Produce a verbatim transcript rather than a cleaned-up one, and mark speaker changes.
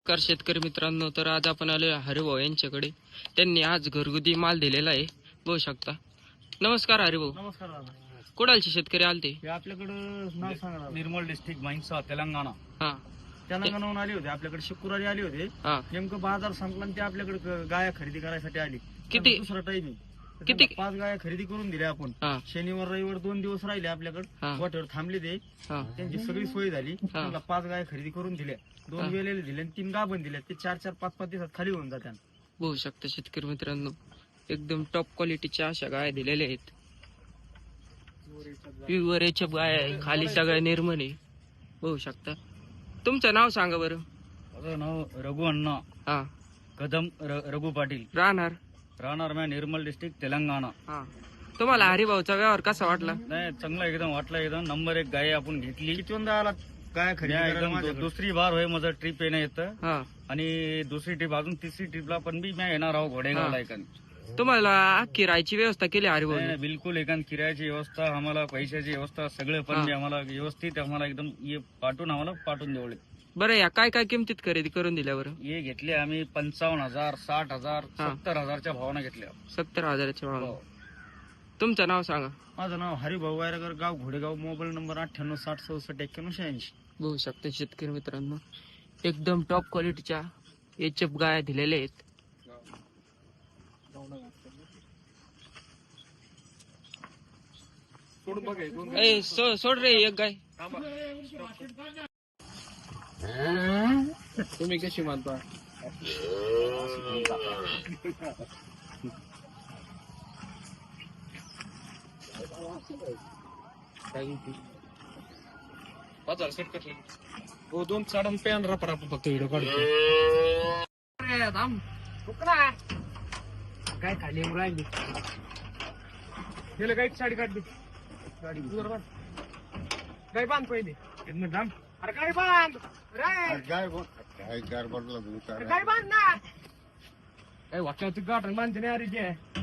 Speaker 1: नमस्कार शेतकरी मित्रांनो, तर आज आपण आलो हरिभाऊ यांच्याकडे. त्यांनी आज घरगुती माल दिलेला आहे, बघू शकता. नमस्कार हरिभाऊ.
Speaker 2: नमस्कार दादा.
Speaker 1: कुडालचे शेतकरी आलते?
Speaker 2: हे आपल्याकडं नाव सांगा दादा. निर्मल डिस्ट्रिक्ट माहिंसा तेलंगणा.
Speaker 1: हा
Speaker 2: तेलंगणाहून आले होते, आपल्याकडे शुक्रवारी आले होते.
Speaker 1: हा
Speaker 2: नेमकं बाजार संपला आणि ते आपल्याकडे ग- गाया खरेदी करायसाठी आली.
Speaker 1: किती-
Speaker 2: त्यांचा दुसरा टाइम
Speaker 1: किती-
Speaker 2: पाच गाया खरेदी करून दिल्या आपण.
Speaker 1: हा
Speaker 2: शनिवार रविवार दोन दिवस राहिले आपल्याकडे.
Speaker 1: हा
Speaker 2: वाटेवर थांबले ते,
Speaker 1: हा
Speaker 2: त्यांची सगळी सोय झाली. त्यांना पाच गाया खरेदी करून दिल्या, दोन
Speaker 1: हा.
Speaker 2: वेळेला दिल्या आणि तीन गाभण दिल्या. ते चार चार पाच पाच दिवसात खाली होऊन जात्या.
Speaker 1: बघू शकता शेतकरी मित्रांनो, एकदम टॉप क्वालिटीच्या अशा गाय दिलेल्या आहेत. प्युअरच्या गाय आहे, खाली सगळ्या निर्मळ आहे, बघू शकता. तुमचं नाव सांगा बरं.
Speaker 2: माझं नाव रघु अण्णा
Speaker 1: हा
Speaker 2: कदम र- रघु पाटील.
Speaker 1: राहणार
Speaker 2: राहणार मॅ निर्मल डिस्ट्रिक्ट तेलंगणा.
Speaker 1: हा तुम्हाला हरिभाऊचा व्यवहार कसा वाटला?
Speaker 2: नाही, चांगला एकदम वाटला. एकदम नंबर एक गाय आपण घेतली. किती आला गाय खरेदी? दुसरी बार होय माझं ट्रिप येणं येतं.
Speaker 1: हा
Speaker 2: आणि दुसरी ट्रिप अजून तिसरी ट्रिपला पण मी म्या येणार आहो घोडेगावला.
Speaker 1: हा.
Speaker 2: एकान
Speaker 1: तुम्हाला अख्खी राहायची व्यवस्था केली हरिभाऊ?
Speaker 2: नाही, नाही, बिलकुल एकान किरायाची व्यवस्था, आम्हाला पैशाची व्यवस्था सगळं पण
Speaker 1: हा.
Speaker 2: मी आम्हाला व्यवस्थित आम्हाला एकदम ये पाठवून आम्हाला पाठवून देवले.
Speaker 1: बरं, या काय काय किमतीत खरेदी करून दिल्या बरं?
Speaker 2: हे घेतले आम्ही पंचावन्न हजार साठ हजार
Speaker 1: हा.
Speaker 2: सत्तर हजारच्या भावानं घेतल्या.
Speaker 1: सत्तर हजाराच्या भाव.
Speaker 2: हो.
Speaker 1: तुमचं नाव सांगा.
Speaker 2: माझं नाव हरिभाऊ वायरगर, गाव घोडेगाव, मोबाईल नंबर अठ्ठ्याण्णव साठ चौसष्ट एक्क्याण्णव शहाऐंशी.
Speaker 1: बघू शकता शेतकरी मित्रांनो, एकदम टॉप क्वालिटीच्या एचएफ गाया दिलेल्या आहेत. ए, सो- सोड रे एक गाय.
Speaker 2: तुम्ही कशी मानता? हो, दोन साडन पॅन रापा रापा फक्त व्हिडिओ काढतो. काय खाली राहिली गेलं काय साडी काढली. गाडी काय बांध पहिले थांब. अरे काय बांध काय बांध ना काय वाक्यावरती गाठ बांधते नाही अरे.